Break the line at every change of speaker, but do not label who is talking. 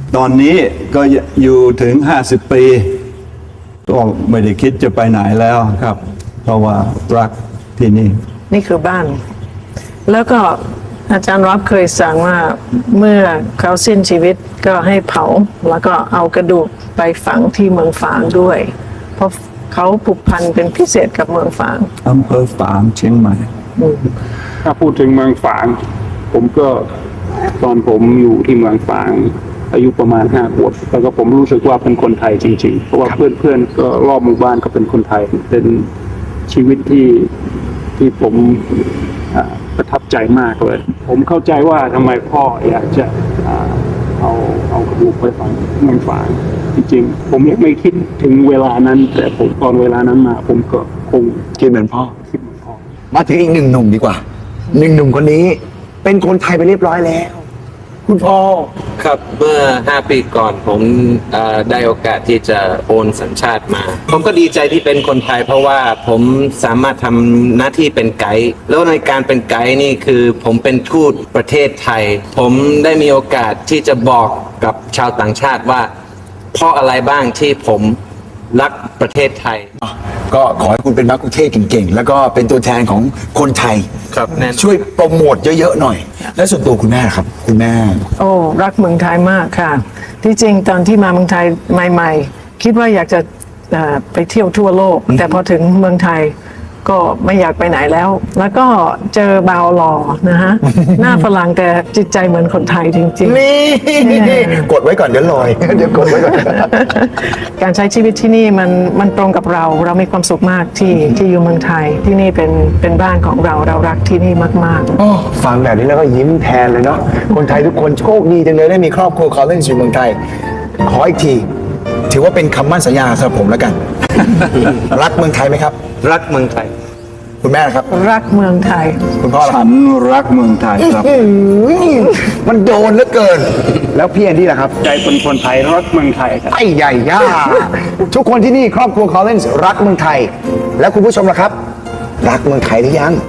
ตอนนี้ก็อยู่ถึง50 ปีก็ไม่ได้คิดจะไปไหนแล้วครับ เพราะว่ารักที่นี่
นี่คือบ้าน แล้วก็อาจารย์รับเคยสั่งว่าเมื่อเขาสิ้นชีวิตก็ให้เผาแล้วก็เอากระดูกไปฝังที่เมืองฝางด้วย เพราะเขาผูกพันเป็นพิเศษกับเมืองฝาง
อำเภอฝางเชียงใหม่
ถ้าพูดถึงเมืองฝางผมก็ตอนผมอยู่ที่เมืองฝางอายุประมาณ5 ขวบแล้วก็ผมรู้สึกว่าเป็นคนไทยจริงๆเพราะว่าเพื่อนๆก็รอบหมู่บ้านก็เป็นคนไทยเป็นชีวิตที่ผมประทับใจมากเลยผมเข้าใจว่าทำไมพ่ออยากจะเอากระดูกไปฝังเมืองฝางจริงๆผมยังไม่คิดถึงเวลานั้น แต่ผมตอนเวลานั้นมาผมก็คง
คิดเหมือนพ่อ
คิดเหมือนพ่อ
มาถึงอีกหนึ่งหนุ่มดีกว่าหนึ่งหนุ่มคนนี้ เป็นคนไทยไปเรียบร้อยแล้ว คุณพ่อ
ครับเมื่อ5 ปีก่อนผมได้โอกาสที่จะโอนสัญชาติมา ผมก็ดีใจที่เป็นคนไทย เพราะว่าผมสามารถทำหน้าที่เป็นไกด์แล้วในการเป็นไกด์นี่คือผมเป็นทูตประเทศไทย ผมได้มีโอกาสที่จะบอกกับชาวต่างชาติว่าเพราะอะไรบ้างที่ผมรักประเทศไทย
ก็ขอให้คุณเป็นมักคุเทศก์เก่งๆ แล้วก็เป็นตัวแทนของคนไทย
ครับแน่นอน
ช่วยโปรโมทเยอะๆหน่อย และส่วนตัวคุณแม่ครับ คุณแม่
โอ้รักเมืองไทยมากค่ะ ที่จริงตอนที่มาเมืองไทยใหม่ๆ คิดว่าอยากจะไปเที่ยวทั่วโลก แต่พอถึงเมืองไทยก็ไม่อยากไปไหนแล้ว แล้วก็เจอบาวหล่อนะฮะ หน้าฝรั่งแต่จิตใจเหมือนคนไทยจริง
นี่กดไว้ก่อนเดี๋ยวลอย เดี๋ยวกดไว้ก่อน
ๆ การใช้ชีวิตที่นี่มันตรงกับเรามีความสุขมากที่อยู่เมืองไทยที่นี่เป็นบ้านของเรารักที่นี่มากๆ
โอ้ฟังแบบนี้แล้วก็ยิ้มแทนเลยเนาะ คนไทยทุกคนโชคดีจังเลยได้มีครอบครัวเขาเล่นอยู่เมืองไทย ขออีกที ถือว่าเป็นคำมั่นสัญญาสำหรับผมแล้วกัน รักเมืองไทยไหมครับ
รักเมืองไทย
คุณแม่นะครับ
รักเมืองไทย
คุณพ่อล่ะ
ฉันรักเมืองไทยครับ
มันโดนเหลือเกิน แล้วพี่แอนดี้ล่ะครับ
ใจเป็นคนไทยรักเมืองไทยครับ
ไอ้ใหญ่ย่า ทุกคนที่นี่ครอบครัวคอลเลนส์รักเมืองไทย แล้วคุณผู้ชมล่ะครับ รักเมืองไทยหรือยัง